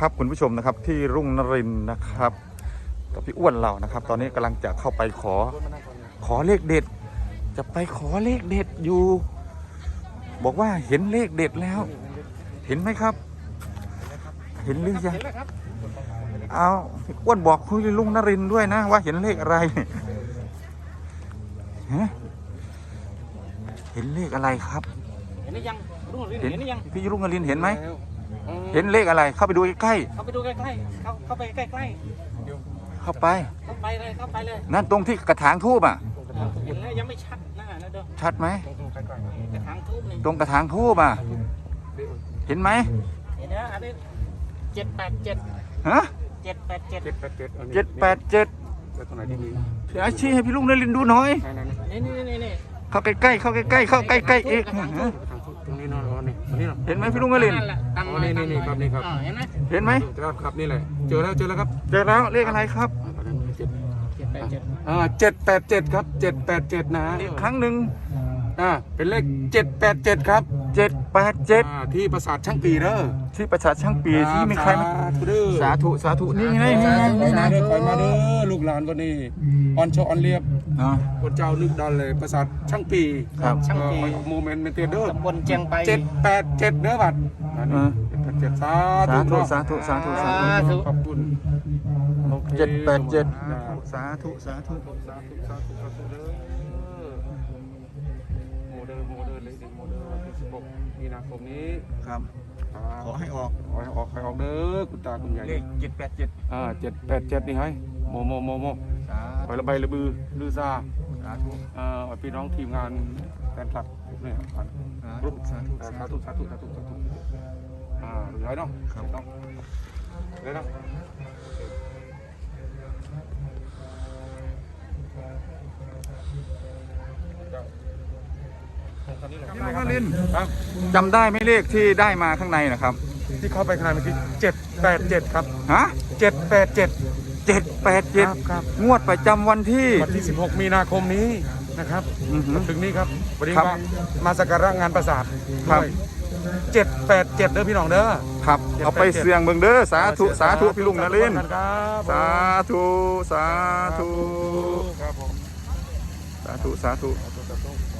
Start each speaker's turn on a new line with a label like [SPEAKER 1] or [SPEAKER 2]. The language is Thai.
[SPEAKER 1] นะครับคุณผู้ชมนะครับที่รุ่งนรินทร์นะครับกับพี่อ้วนเรานะครับ ตอนนี้กำลังจะเข้าไปขอเลขเด็ด จะไปขอเลขเด็ดอยู่ บอกว่าเห็นเลขเด็ดแล้ว เห็นไหมครับ เห็นหรือยังเอาพี่อ้วนบอกคุยรุ่งนรินทร์ด้วยนะว่าเห็นเลขอะไรฮะเห็นเลขอะไรครับ
[SPEAKER 2] เห็นหรือยังรุ่งนรินทร์เห็นหรือยัง
[SPEAKER 1] พี่รุ่งนรินทร์เห็นไหมเห็นเลขอะไร เข้าไปดูใกล้
[SPEAKER 2] เข้าไปดูใกล้ๆเข้าไปใกล้
[SPEAKER 1] ๆเข้าไป
[SPEAKER 2] ๆเข้าไปเลย
[SPEAKER 1] นั่นตรงที่กระถางทูบอ่ะ
[SPEAKER 2] เห็นแล้วยังไม่ชัดนะเด้อ
[SPEAKER 1] ชัดไหม
[SPEAKER 2] กระถางทูบนี่
[SPEAKER 1] ตรงกระถางทูบอ่ะเห็นไหม
[SPEAKER 2] เห็นนะอันนี้787
[SPEAKER 1] ฮะ
[SPEAKER 2] 787
[SPEAKER 1] 787
[SPEAKER 3] ตรงไหนที่มี
[SPEAKER 1] พี่อาชีให้พี่ลุงนรินทร์ดูหน่อย
[SPEAKER 2] นี่
[SPEAKER 1] เข้าใกล้ๆเข้าใกล้ๆเข้าใกล้ๆอีก
[SPEAKER 3] ตรงนี้นอนนี่ตรงนี้เนาะ
[SPEAKER 1] เห็นไหมพี่ลุงนรินทร์
[SPEAKER 2] ตั้ง
[SPEAKER 3] อ๋อนี่ครับนี่ครับ
[SPEAKER 2] เห็นไหม
[SPEAKER 1] เห็นไหม
[SPEAKER 3] ครับนี่แหละเจอแล้วครับ
[SPEAKER 1] เจอแล้วเลขอะไรครับ
[SPEAKER 2] 787
[SPEAKER 3] 787ครับ787นะ
[SPEAKER 1] อีกครั้งหนึ่ง
[SPEAKER 3] เป็นเลข787ครับ
[SPEAKER 1] 787
[SPEAKER 3] ที่ปราสาทช่างปีเด้อ
[SPEAKER 1] ที่ประชาช่างปีที่มีใครมา
[SPEAKER 3] สาธุ
[SPEAKER 1] สาธุนี่ไงนี่ไง
[SPEAKER 3] ไปมาเด้อไปมาเด้อลูกหลานวันนี้ออนโชออนเรียบ
[SPEAKER 1] อ๋อ
[SPEAKER 3] คนเจ้านึกดันเลยปราสาทช่างปี
[SPEAKER 1] ครับ
[SPEAKER 2] ช่างปี
[SPEAKER 3] โมเมนต์เมนเทเดอร์
[SPEAKER 2] ตำบลเจียงไป
[SPEAKER 3] 787เด้อบัด787สา
[SPEAKER 1] สาธุ
[SPEAKER 3] ธุ
[SPEAKER 1] สาธุสาธุสาธุ
[SPEAKER 3] ขอบคุณ
[SPEAKER 1] 787สาธุสาธุ
[SPEAKER 3] สาธุเด้อโมเดอร์เลยโมเดอร์วันที่16มีนาคมนี้
[SPEAKER 1] ครับขอให้ออก
[SPEAKER 3] ขอให้ออกเด้อคุณตาคุณยาย
[SPEAKER 1] เลข787
[SPEAKER 3] 787นี่ให้โม
[SPEAKER 1] สา
[SPEAKER 3] ไปละใบละบือลือซา
[SPEAKER 1] ธุ
[SPEAKER 3] พี่น้องทีมงานแฟนคลับเนี่ยรูป
[SPEAKER 1] สาธุ
[SPEAKER 3] สาธุหรือไรเนาะครับเนาะเลยเนาะ
[SPEAKER 1] พี่ลุงนรินทร์จำได้ไหมเลขที่ได้มาข้างในนะครับ
[SPEAKER 3] ที่เข้าไปขนาดเมื่อกี้787ครับ
[SPEAKER 1] ฮะ
[SPEAKER 3] 787
[SPEAKER 1] 787
[SPEAKER 3] ครับ
[SPEAKER 1] งวดประจำวันที่
[SPEAKER 3] วันที่16มีนาคมนี้นะครับ
[SPEAKER 1] อือหือ
[SPEAKER 3] ถึงนี้ครับวันนี้
[SPEAKER 1] ครับ
[SPEAKER 3] มาสักการะงานปราสาท
[SPEAKER 1] ครับ
[SPEAKER 3] ด้วย787เด้อพี่น้องเด้อ
[SPEAKER 1] ครับเอาไปเสี่ยงเบิ่งเด้อสาธุสาธุพี่ลุงนรินทร์
[SPEAKER 3] ครับ
[SPEAKER 1] สาธุสาธุ
[SPEAKER 3] ครับผม
[SPEAKER 1] สาธุสาธุ
[SPEAKER 3] สาธุ